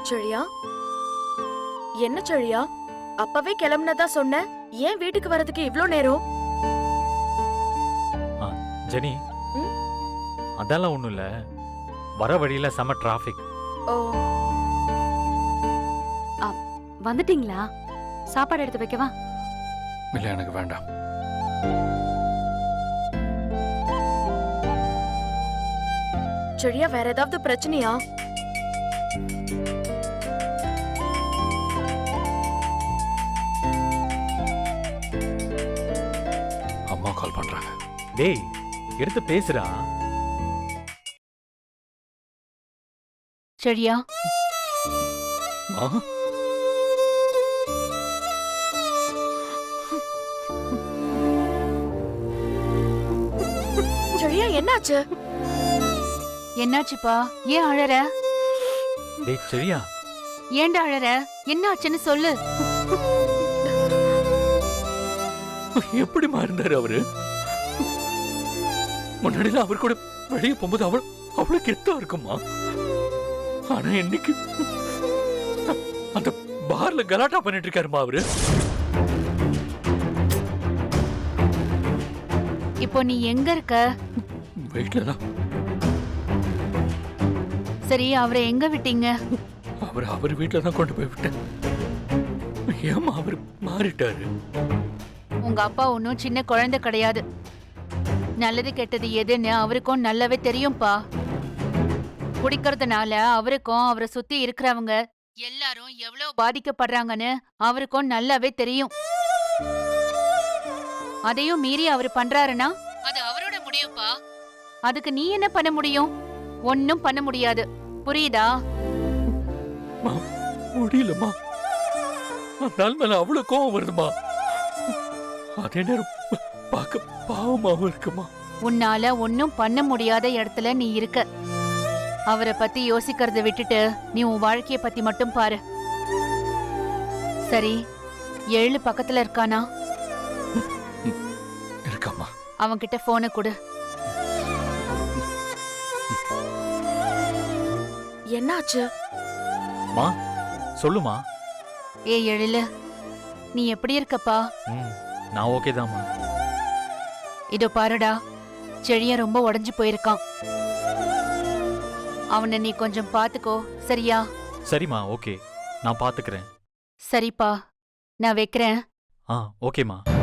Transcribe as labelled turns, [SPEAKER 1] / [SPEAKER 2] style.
[SPEAKER 1] செழியா, என்ன செழியா, அப்பவே கிளம்புனதா சொன்ன, ஏன் வீட்டுக்கு வரதுக்கு இவ்ளோ நேரம்?
[SPEAKER 2] ஜெனி, அதெல்லாம் ஒண்ணும் இல்ல. வர வழியில செம டிராபிக்.
[SPEAKER 1] ஓ,
[SPEAKER 3] வந்துட்டீங்களா? சாப்பாடு எடுத்து வைக்கவா?
[SPEAKER 4] இல்ல, எனக்கு வேண்டாம்.
[SPEAKER 1] செழியா, வேற ஏதாவது பிரச்சனையா?
[SPEAKER 4] அம்மா கால் பண்றாங்க.
[SPEAKER 2] டேய், எடுத்து பேசுறா.
[SPEAKER 3] செழியா,
[SPEAKER 1] செழியா, என்னாச்சு?
[SPEAKER 3] என்னாச்சுப்பா? ஏன் அழற?
[SPEAKER 2] டேய் செழியா,
[SPEAKER 3] ஏன்டா அழற? என்னாச்சுன்னு சொல்லு.
[SPEAKER 4] எப்படிமா இருந்தாரு அவரு? முன்னாடிலாம் அவர் கூட வெளியே போகும்போது அவ்வளவு கெத்தா இருக்குமா? ஆனா இன்னைக்கு அந்த பார்ல கலாட்டா பண்ணிட்டு இருக்காருமா அவரு.
[SPEAKER 3] இப்போ நீ எங்க இருக்க?
[SPEAKER 4] வீட்டுலதான்.
[SPEAKER 3] சரி, அவரை எங்க விட்டீங்க?
[SPEAKER 4] அவர் வீட்டுல தான் கொண்டு போய் விட்டேன். ஏமா அவர் மாறிட்டாரு?
[SPEAKER 3] உங்க அப்பா ஒன்னும் சின்ன குழந்தை கிடையாது. நல்லது கெட்டது எதுன்னு அவருக்கும் நல்லாவே தெரியும்பா. குடிக்கிறதுனால அவருக்கும் அவரை சுத்தி இருக்கிறவங்க எல்லாரும் எவ்வளவு பாதிக்கப்படுறாங்கன்னு அவருக்கும் நல்லாவே தெரியும். அதையும் மீறி அவர் பண்றாருன்னா அது அவரோட முடியும்பா. அதுக்கு நீ என்ன பண்ண முடியும்? ஒன்னும் பண்ண முடியாது. புரியுதா?
[SPEAKER 4] முடியலமா. அதனால மேல அவ்வளவு கோவம் வருதுமா. அதே நேரம் பார்க்க பாவமாவும் இருக்குமா.
[SPEAKER 3] உன்னால ஒன்னும் பண்ண முடியாத இடத்துல நீ இருக்க. அவரை பத்தி யோசிக்கிறத விட்டுட்டு நீ உன் வாழ்க்கைய பத்தி மட்டும் பாரு. சரி, 7 பக்கத்துல இருக்கானா?
[SPEAKER 4] இருக்காமா.
[SPEAKER 3] அவன்கிட்ட போனை கொடு.
[SPEAKER 1] என்னாச்சு?
[SPEAKER 2] மா சொல்லுமா.
[SPEAKER 3] ஏ எழிலு, நீ எப்படி இருக்கப்பா?
[SPEAKER 2] நான் ஓகே தான்மா.
[SPEAKER 3] இதோ பாருடா, செழிய ரொம்ப உடைஞ்சு போயிருக்கான். அவனை நீ கொஞ்சம் பாத்துக்கோ, சரியா?
[SPEAKER 2] சரிம்மா, ஓகே, நான் பாத்துக்கிறேன்.
[SPEAKER 3] சரிப்பா, நான் வைக்கிறேன்.
[SPEAKER 2] ஓகேம்மா.